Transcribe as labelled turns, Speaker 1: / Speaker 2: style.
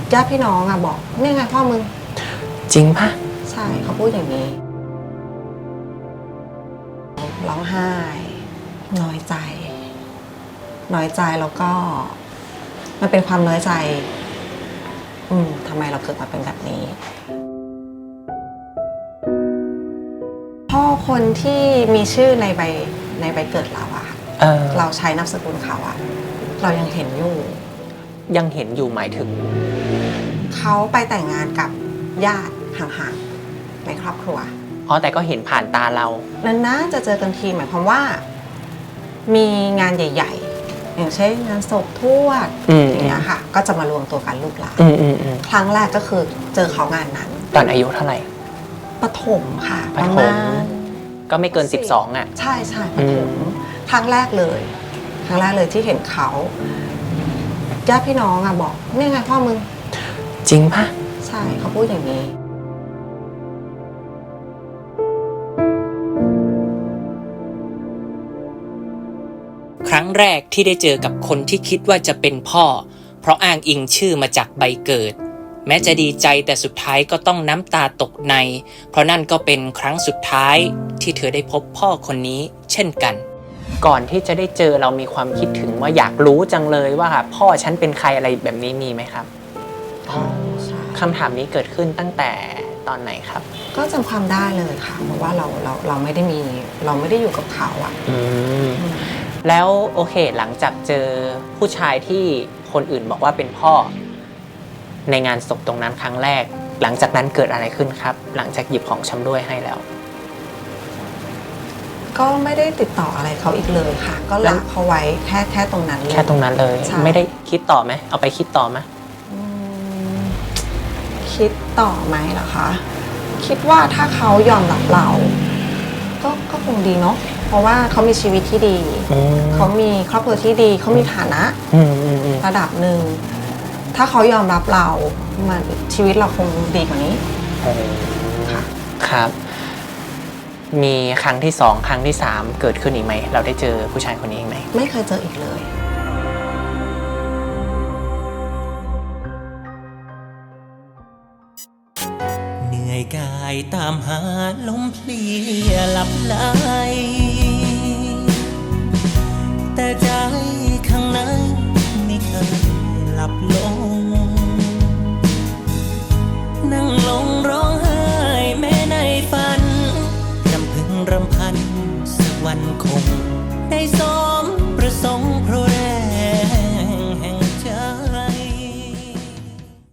Speaker 1: ญาติพี่น้องอะบอกนี่ไงพ่อมึง
Speaker 2: จริงปะ
Speaker 1: ใช่เขาพูดอย่างนี้ร้องไห้น้อยใจแล้วก็มันเป็นความน้อยใจทำไมเราเกิดมาเป็นแบบนี้พ่อคนที่มีชื่อในใบเกิดเราอะเราใช้นามสกุลเขาอะเรายังเห็นอยู่
Speaker 2: หมายถึง
Speaker 1: เขาไปแต่งงานกับญาติห่างๆในครอบครัว
Speaker 2: แต่ก็เห็นผ่านตาเรา
Speaker 1: นั้นนะจะเจอกันทีหมายความว่ามีงานใหญ่ๆอย่างเช่นงานศพทวดอย่างเงี้ยค่ะก็จะมารวมตัวกันลูกหลานครั้งแรกก็คือเจอเขางานนั้น
Speaker 2: ตอนอายุเท่าไหร่
Speaker 1: ประถมค่ะ
Speaker 2: ประถมก็ไม่เกิน12อ่ะ
Speaker 1: ใช่ประถมครั้งแรกเลยที่เห็นเขาญาติพี่น้องอะบอกนี่ไงพ่อมึง
Speaker 2: จริงปะ
Speaker 1: ใช่เขาพูดอย่างนี้
Speaker 3: ครั้งแรกที่ได้เจอกับคนที่คิดว่าจะเป็นพ่อเพราะอ้างอิงชื่อมาจากใบเกิดแม้จะดีใจแต่สุดท้ายก็ต้องน้ำตาตกในเพราะนั่นก็เป็นครั้งสุดท้ายที่เธอได้พบพ่อคนนี้เช่นกัน
Speaker 2: ก่อนที่จะได้เจอเรามีความคิดถึงว่าอยากรู้จังเลยว่าพ่อฉันเป็นใครอะไรแบบนี้มีไหมครับคำถามนี้เกิดขึ้นตั้งแต่ตอนไหนครับ
Speaker 1: ก็จำความได้เลยค่ะเพราะว่าเราไม่ได้อยู่กับเขาอ่ะ
Speaker 2: แล้วโอเคหลังจากเจอผู้ชายที่คนอื่นบอกว่าเป็นพ่อในงานศพตรงนั้นครั้งแรกหลังจากนั้นเกิดอะไรขึ้นครับหลังจากหยิบของชำร่วยให้แล้ว
Speaker 1: ก็ไม่ได้ติดต่ออะไรเขาอีกเลยค่ะก็ละเขาไว้แค่ตรงนั้นเลย
Speaker 2: ไม่ได้คิดต่อไหมเอาไปคิดต่อไหม
Speaker 1: คิดต่อไหมเหรอคะคิดว่าถ้าเขายอมรับเราก็คงดีเนาะเพราะว่าเขามีชีวิตที่ดีเขามีครอบครัวที่ดีเขามีฐานะระดับหนึ่งถ้าเขายอมรับเรามันชีวิตเราคงดีกว่านี้
Speaker 2: ค่ะครับมีครั้งที่2ครั้งที่3เกิดขึ้นอีกไหมเราได้เจอผู้ชายคนนี้อีกไหม
Speaker 1: ไม่เคยเจออีกเลย
Speaker 3: เหนื่อยกายตามหาลมเพลียหลับไหลแต่ใจข้างในไม่เคยหลับลง